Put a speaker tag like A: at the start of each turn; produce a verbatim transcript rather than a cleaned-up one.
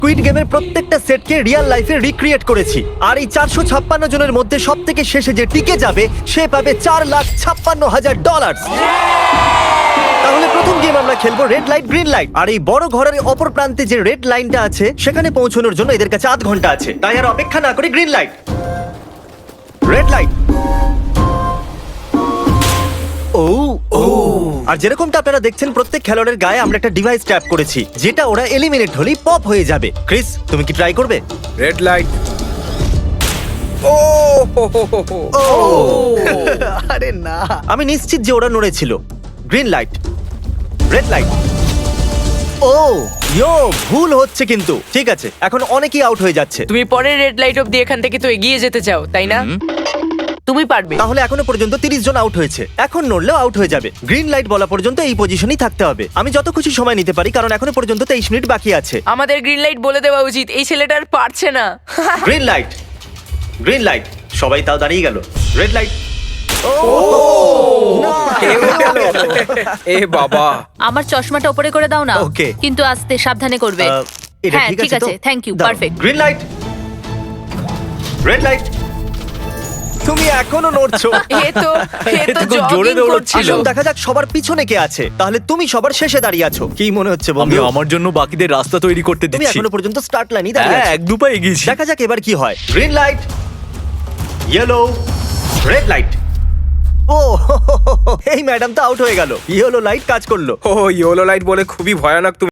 A: Squid গেমের প্রত্যেকটা সেটকে রিয়েল লাইফে রিক্রিয়েট করেছি, আর এই চারশো ছাপ্পান্ন জনের মধ্যে সব থেকে শেষে যে টিকে যাবে সে পাবে চার লাখ ছাপ্পান্ন হাজার ডলার। তাহলে প্রথম গেম আমরা খেলবো রেড লাইট গ্রিন লাইট। আর এই বড় ঘরের অপর প্রান্তে যে রেড লাইনটা আছে সেখানে পৌঁছানোর জন্য এদের কাছে আধ ঘন্টা আছে। তাই আর অপেক্ষা না করে গ্রিন লাইট, রেড লাইট। ও ও আর যেরকমটা আপনারা দেখছেন প্রত্যেক খেলোয়াড়ের গায়ে আমরা একটা ডিভাইস ট্যাপ করেছি যেটা ওরা এলিমিনেট হলেই পপ হয়ে যাবে। ক্রিস, তুমি কি ট্রাই করবে?
B: Red light. ও হো হো হো হো।
A: ও
C: আরে না,
A: আমি নিশ্চিত যে ওরা নড়েছিল। Green light, red light. ও ইয়ো, ভুল হচ্ছে কিন্তু। ঠিক আছে, এখন অনেকেই আউট হয়ে যাচ্ছে।
D: তুমি পরের রেড লাইট অব্দি এখান থেকে তো এগিয়ে যেতে চাও, তাই না? তুমি পারবে।
A: তাহলে এখনো পর্যন্ত তিরিশ জন আউট হয়েছে, এখন নড়লেও আউট হয়ে যাবে। গ্রিন লাইট বলা পর্যন্ত এই পজিশনেই থাকতে হবে। আমি যত খুশি সময় নিতে পারি কারণ এখনো পর্যন্ত তেইশ মিনিট বাকি আছে।
D: আমাদের গ্রিন লাইট বলে দেওয়া উচিত, এই ছেলেটা আর পারছে না।
A: Green light, green light. সবাই তাও দাঁড়িয়ে গেল। Red light.
B: এও গেল। এ বাবা।
E: আমার চশমাটা উপরে করে দাও না।
A: Okay.
E: কিন্তু আস্তে সাবধানে করবে।
A: আহ, এটা
E: হ্যাঁ,
A: ঠিক
E: ঠিক
A: আছে তো?
E: আছে, thank you,
A: দাঁড়াও।
E: perfect.
A: Green light, red light. তুমি এখনো নড়ছো।
D: এ তো এ তো
F: খুব জোরে
D: জগিং
F: দৌড়চ্ছিল।
D: করছিল।
A: আসুন দেখা যাক সবার পিছনে কে আছে। তাহলে তুমি সবার শেষে দাঁড়িয়ে আছো। কি মনে হচ্ছে
F: আমি
A: বন্ধু?
F: আমার জন্য বাকিদের রাস্তা তৈরি করতে
A: তুমি
F: দিচ্ছি।
A: এখনো পর্যন্ত স্টার্ট লাইনই দাঁড়িয়ে
F: হ্যাঁ,
A: আছো।
F: এক দু পা এগিয়েছি।
A: দেখা যাক এবার কি হয়। Green light, yellow, red light. ও এই ম্যাডাম তো আউট হয়ে গেল। ইয়েলো লাইট কাজ করলো।
B: ও ইয়েলো লাইট বলে খুবই ভয়ানক তুমি